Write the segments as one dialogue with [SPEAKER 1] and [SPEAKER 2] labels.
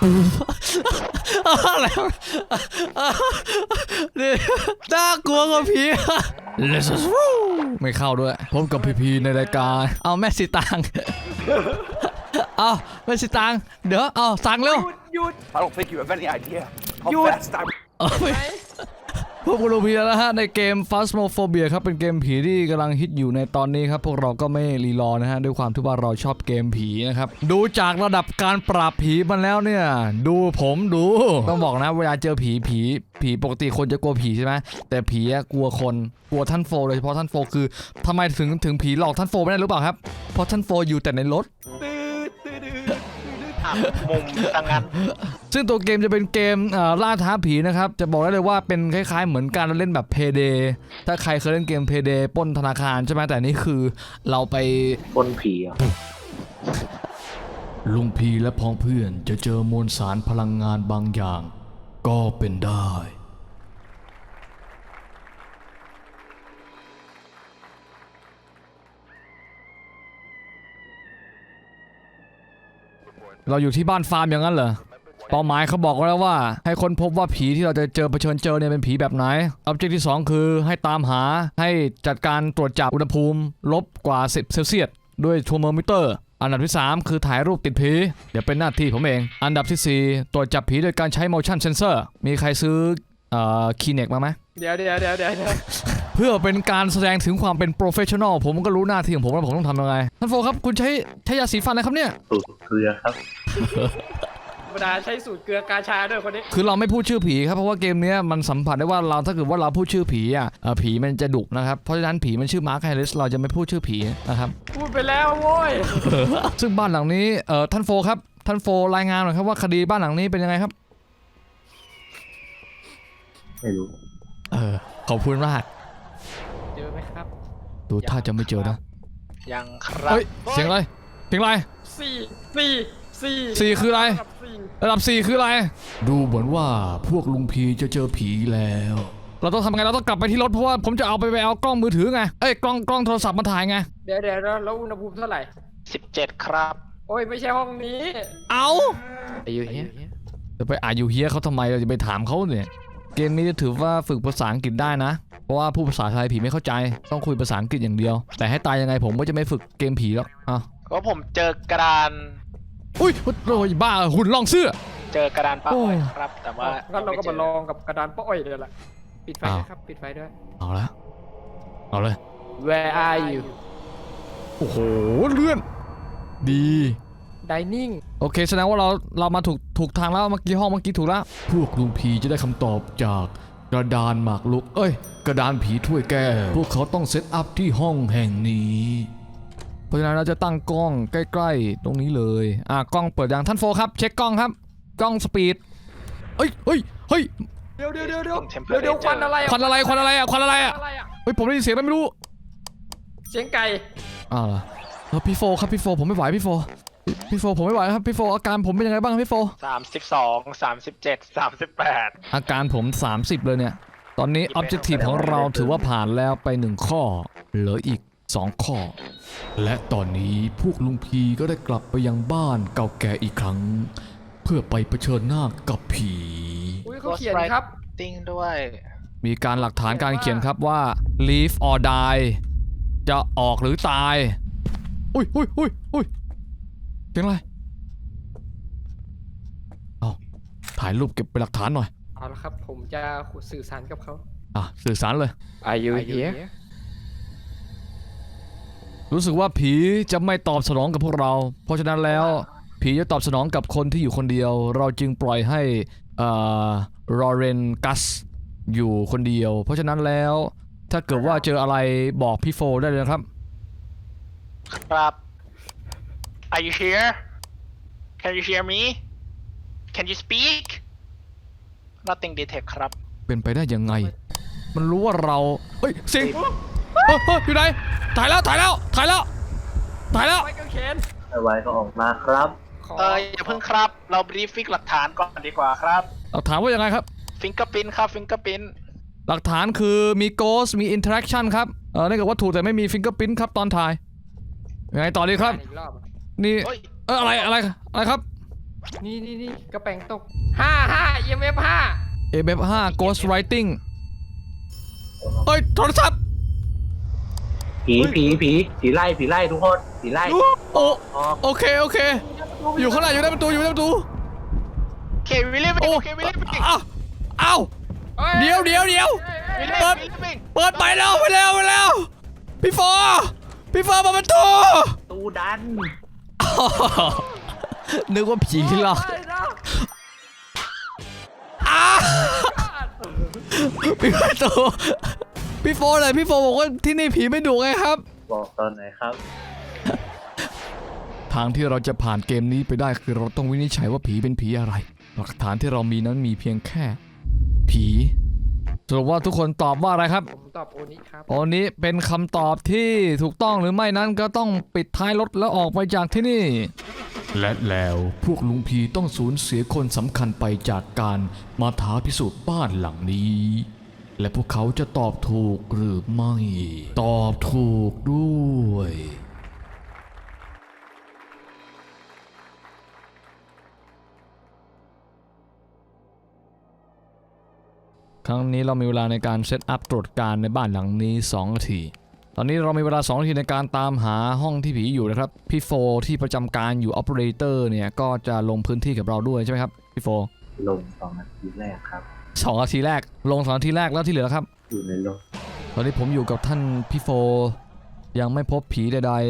[SPEAKER 1] อะไรนี่น่ากลัวกว่าผี Let's go ไม่เข้าด้วยพบกับพีในรายการเอาแม่สีตางเอาแม่สีตางเดี๋ยวเอาสั่งเร็ว
[SPEAKER 2] หยุด
[SPEAKER 3] I don't think you have any idea how
[SPEAKER 2] You-
[SPEAKER 3] fast I'm
[SPEAKER 1] พวกคุณรู้พีแล้วนะฮะในเกม Phasmophobia ครับเป็นเกมผีที่กำลังฮิตอยู่ในตอนนี้ครับพวกเราก็ไม่รีรอนะฮะด้วยความที่ว่าเราชอบเกมผีนะครับดูจากระดับการปราบผีมันแล้วเนี่ยดูผมดูต้องบอกนะเวลาเจอผีปกติคนจะกลัวผีใช่ไหมแต่ผีกลัวคนกลัวท่านโฟโดยเฉพาะท่านโฟคือทำไมถึงผีหลอกท่านโฟไม่ได้หรือเปล่าครับเพราะท่านโฟอยู่แต่ในรถ
[SPEAKER 2] มุมต่างกัน
[SPEAKER 1] ซึ่งตัวเกมจะเป็นเกมล่าท้าผีนะครับจะบอกได้เลยว่าเป็นคล้ายๆเหมือนการเล่นแบบ Payday ถ้าใครเคยเล่นเกม Payday ปล้นธนาคารใช่ไหมแต่นี่คือเราไป
[SPEAKER 2] บนผีอ่ะ
[SPEAKER 1] ลุงพีและพ้องเพื่อนจะเจอมวลสารพลังงานบางอย่าง ก็เป็นได้เราอยู่ที่บ้านฟาร์มอย่างนั้นเหรอเป้าหมายเขาบอกไว้แล้วว่าให้ค้นพบว่าผีที่เราจะเผชิญเจอเนี่ยเป็นผีแบบไหน Object ที่ 2 คือให้ตามหาให้จัดการตรวจจับอุณหภูมิลบกว่า10 เซลเซียสด้วยเทอร์โมมิเตอร์อันดับที่ 3 คือถ่ายรูปติดผีเดี๋ยวเป็นหน้าที่ผมเองอันดับที่ 4 ตรวจจับผีโดยการใช้ motion sensor มีใครซื้อKinect มาไหม
[SPEAKER 2] เดี๋ยว
[SPEAKER 1] เพื่อเป็นการแสดงถึงความเป็นโปรเฟชชั่นอลผมก็รู้หน้าที่ของผมว่าผมต้องทำยังไงท่านโฟครับคุณใช้ยาสีฟันอะไรครับเนี่ย
[SPEAKER 4] สูตรเกลือครับ
[SPEAKER 2] ธรรมดาใช้สูตรเกลือกาชาด้วยคนนี้
[SPEAKER 1] คือเราไม่พูดชื่อผีครับเพราะว่าเกมนี้มันสัมผัสได้ว่าเราถ้าเกิดว่าเราพูดชื่อผีผีมันจะดุนะครับเพราะฉะนั้นผีมันชื่อมาร์คไฮริสเราจะไม่พูดชื่อผีนะครับ
[SPEAKER 2] พูดไปแล้วโว้ย
[SPEAKER 1] ซึ่งบ้านหลังนี้ท่านโฟครับท่านโฟรายงานหน่อยครับว่าคดีบ้านหลังนี้เป็นยังไงครับ
[SPEAKER 4] ไม่รู้
[SPEAKER 1] ขอบคุณมาก
[SPEAKER 2] เจอไหมครับ
[SPEAKER 1] ดูถ้าจะไม่เจอนะ
[SPEAKER 2] ยังครับ
[SPEAKER 1] เฮ้ยเสียงอะไรเสียงอะไร
[SPEAKER 2] สี่
[SPEAKER 1] คืออะไร
[SPEAKER 2] กับสี่
[SPEAKER 1] ระดับ 4 คืออะไรดูเหมือนว่าพวกลุงพีจะเจอผีแล้วเราต้องทำไงเราต้องกลับไปที่รถเพราะว่าผมจะเอากล้องมือถือไงกล้องโทรศัพท์มาถ่ายไง
[SPEAKER 2] เดี๋ยวแล้วอุณหภูมิเท่าไหร่17ครับโอ้ยไม่ใช่ห้องนี้
[SPEAKER 1] เอา
[SPEAKER 2] อายุเนี้ย
[SPEAKER 1] จะไปอายุเฮียเขาทำไมเราจะไปถามเขาเนี่ยเกมนี้จะถือว่าฝึกภาษาอังกฤษได้นะเพราะว่าผู้ภาษาไทยผีไม่เข้าใจต้องคุยภาษาอังกฤษอย่างเดียวแต่ให้ตายยังไงผมก็จะไม่ฝึกเกมผีหรอก
[SPEAKER 5] ก็ผมเจอกระดาน
[SPEAKER 1] อุ้ยโอ้ยบ้าหุ่นลองเสื้อ
[SPEAKER 5] เจอกระดานป้าอ้อยครับ แต่ว่า
[SPEAKER 2] งั้นเราก็มาลองกับกระดานป้าอ้อยเดี๋ยวละปิดไฟด้วยครับปิดไฟด้วย
[SPEAKER 1] เอาละเอาเลย
[SPEAKER 2] Where are you
[SPEAKER 1] โอ้โหเลื่อนดี
[SPEAKER 2] Dining
[SPEAKER 1] โอเคแสดงว่าเรามาถูกทางแล้วเมื่อกี้ห้องเมื่อกี้ถูกแล้วพวกลุงผีจะได้คำตอบจากกระดานหมากรุกกระดานผีถ้วยแก้วพวกเขาต้องเซตอัพที่ห้องแห่งนี้เพราะฉะนั้นเราจะตั้งกล้องใกล้ๆตรงนี้เลยกล้องเปิดอย่างท่านโฟครับเช็คกล้องครับกล้องสปีดเฮ้ย
[SPEAKER 2] เดี๋ยวควันอะไร
[SPEAKER 1] ควันอะไรเฮ้ยผมได้ยินเสียงอะไรไม่รู้
[SPEAKER 2] เสียงไก่
[SPEAKER 1] เหรอพี่โฟครับพี่โฟผมไม่ไหวพี่โฟผมไม่ไหวครับพี่โฟอาการผมเป็นยังไงบ้างพี่โฟ
[SPEAKER 5] 32 37 38
[SPEAKER 1] อาการผม 30เลยเนี่ยตอนนี้ Objective ของเราถือว่าผ่านแล้วไป1ข้อเหลืออีก2ข้อและตอนนี้พวกลุงพีก็ได้กลับไปยังบ้านเก่าแก่อีกครั้งเพื่อไปเผชิญหน้ากับผี
[SPEAKER 2] อุ้ยเขาเขียนครับ
[SPEAKER 5] ติ้งด้วย
[SPEAKER 1] มีการหลักฐานการเขียนครับว่า live or die จะออกหรือตายอุ้ยเสียงอะไรถ่ายรูปเก็บเป็นหลักฐานหน่อย
[SPEAKER 2] เอาละครับผมจะสื่อสารกับเขา
[SPEAKER 1] สื่อสารเลย
[SPEAKER 2] Are you here
[SPEAKER 1] รู้สึกว่าผีจะไม่ตอบสนองกับพวกเราเพราะฉะนั้นแล้วผีจะตอบสนองกับคนที่อยู่คนเดียวเราจึงปล่อยให้ลอเรนกัสอยู่คนเดียวเพราะฉะนั้นแล้วถ้าเกิดว่าเจออะไรบอกพี่โฟได้เลยครับ
[SPEAKER 5] ครับ Are you here Can you hear me Can you speak Nothing detect ครับ
[SPEAKER 1] เป็นไปได้ยังไงมันรู้ว่าเราเสียงอยู่ไหนถ่ายแล้ว
[SPEAKER 2] ไม่ก็เขียน
[SPEAKER 4] ไว้ก็ออกมาครับ
[SPEAKER 5] อย่าเพิ่งครับ เราบรีฟฟิกหลักฐานก่อนดีกว่าครับ
[SPEAKER 1] หลักฐานว่ายังไงครับ
[SPEAKER 5] ฟิงเกอร์พิ้นครับฟิงเกอร์พิ้น
[SPEAKER 1] หลักฐานคือมีโกสมีอินเทอร์แอคชั่นครับนั่นก็วัตถุแต่ไม่มีฟิงเกอร์พิ้นครับตอนถ่ายยังไงต่อดีครับนี่อะไรครับ
[SPEAKER 2] นี่กระแปงตก5 EMF 5
[SPEAKER 1] AF5 Ghost Writing เอ้ยโทรศัพท์
[SPEAKER 4] ผีไล่ทุกคนผีไล่
[SPEAKER 1] โอ้โอเคอยู่ข้างหน้าอยู่ในประตู
[SPEAKER 5] โอเควิลลี่โอเควิลลี่
[SPEAKER 1] อ้าวเดี๋ยวเปิดไปแล้วพี่โฟเปิดประตู
[SPEAKER 4] ตูดัน
[SPEAKER 1] นึกว่าผีหรอกพี่ประตูพี่โฟเลยพี่โฟบอกว่าที่นี่ผีไม่ดุไงครับ
[SPEAKER 4] บอกตอนไหนครับ
[SPEAKER 1] ทางที่เราจะผ่านเกมนี้ไปได้คือเราต้องวินิจฉัยว่าผีเป็นผีอะไรหลักฐานที่เรามีนั้นมีเพียงแค่ผีสรุปว่าทุกคนตอบว่าอะไรครับ
[SPEAKER 2] ผมตอบโอนี้ครับ
[SPEAKER 1] โอนี้เป็นคำตอบที่ถูกต้องหรือไม่นั้นก็ต้องปิดท้ายรถแล้วออกไปจากที่นี่ และแล้วพวกลุงพีต้องสูญเสียคนสำคัญไปจากการมาท้าพิสูจน์บ้านหลังนี้ และพวกเขาจะตอบถูกหรือไม่ ตอบถูกด้วย ครั้งนี้เรามีเวลาในการเซตอัพตรวจการในบ้านหลังนี้2 นาที ตอนนี้เรามีเวลา2 นาทีในการตามหาห้องที่ผีอยู่นะครับ พี่โฟที่ประจำการอยู่ Operator เนี่ยก็จะลงพื้นที่กับเราด้วยใช่ไหมครับพี่โฟ
[SPEAKER 4] ลง2 นาทีแรกครับ
[SPEAKER 1] 2 นาทีแรกลง2 นาทีแรกแล้วที่เหลือครับ
[SPEAKER 4] อยู่ในรถ
[SPEAKER 1] ตอนนี้ผมอยู่กับท่านพี่โฟยังไม่พบผีใด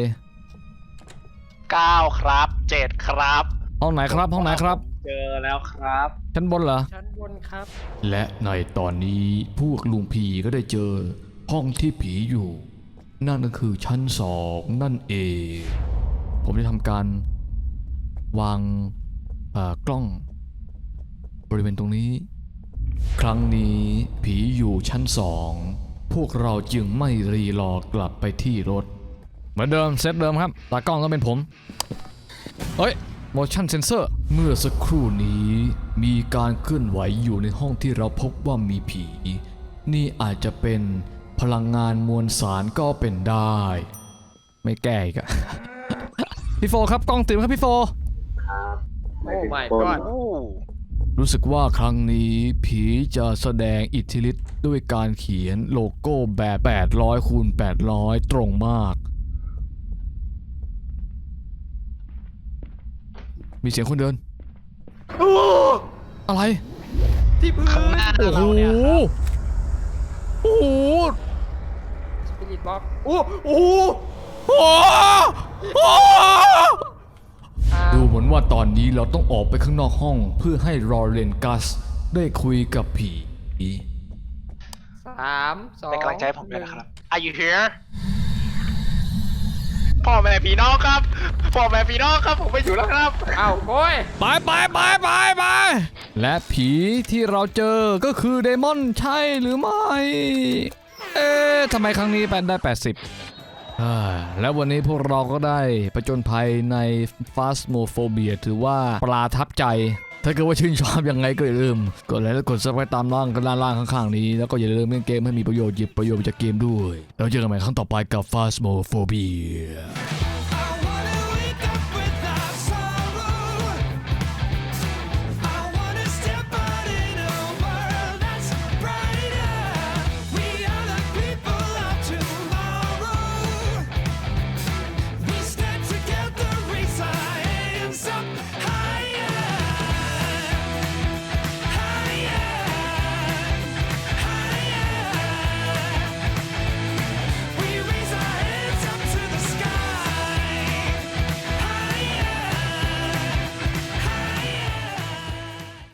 [SPEAKER 5] 9ครับ7ครับ
[SPEAKER 1] ๆห้องไหนครับ
[SPEAKER 5] เจอแล้วครับ
[SPEAKER 1] ชั้นบนเหรอ
[SPEAKER 2] ชั้นบนครับ
[SPEAKER 1] และในตอนนี้พวกลุงผีก็ได้เจอห้องที่ผีอยู่ นั่นก็คือชั้น2นั่นเอง ผมจะทำการวางกล้องบริเวณตรงนี้ ครั้งนี้ผีอยู่ชั้น2พวกเราจึงไม่รีรอกลับไปที่รถเหมือนเดิมเซตเดิมครับตากล้องต้องเป็นผมเฮ้ย motion sensor เมื่อสักครู่นี้มีการเคลื่อนไหวอยู่ในห้องที่เราพบว่ามีผี นี่อาจจะเป็นพลังงานมวลสารก็เป็นได้ ไม่แก้อีกอะ พี่โฟครับกล้องติดครับพี่โฟ
[SPEAKER 4] ครับ
[SPEAKER 2] โอ้ my
[SPEAKER 4] คน
[SPEAKER 2] god
[SPEAKER 1] รู้สึกว่าครั้งนี้ผีจะแสดงอิทธิฤทธิ์ด้วยการเขียนโลโก้แบบ800 คูณ 800 ตรงมาก มีเสียงคนเดิน อะไร
[SPEAKER 2] ที่พื้น
[SPEAKER 5] ข้างหน้า
[SPEAKER 1] โอ้โห
[SPEAKER 5] เราเนี่ยครับ
[SPEAKER 1] โอ้โห
[SPEAKER 2] สปิริตบ็อก
[SPEAKER 1] โอ้โหโอ้โหดูเหมือนว่าตอนนี้เราต้องออกไปข้างนอกห้องเพื่อให้รอเรนกัสได้คุยกับผี
[SPEAKER 2] 3 2
[SPEAKER 5] เป็นกำลังใจให้ผมด้วยนะครับ Are you here พ่อแม่พี่น้องครับผมไปอยู่แล้วครับ
[SPEAKER 2] อ้าวโอ้ย
[SPEAKER 1] ไปและผีที่เราเจอก็คือเดมอนใช่หรือไม่ ทำไมครั้งนี้เป็นได้ 80แล้ววันนี้พวกเราก็ได้ประจนภัยใน Phasmophobia ถือว่าปลาทับใจ ถ้าเกิดว่าชื่นชอบยังไงก็อย่าลืมกดไลค์และกด Subscribe ตามล่างข้างๆนี้แล้วก็อย่าลืมเล่นเกมให้มีประโยชน์หยิบประโยชน์จากเกมด้วยแล้วเจอกันใหม่ครั้งต่อไปกับ Phasmophobia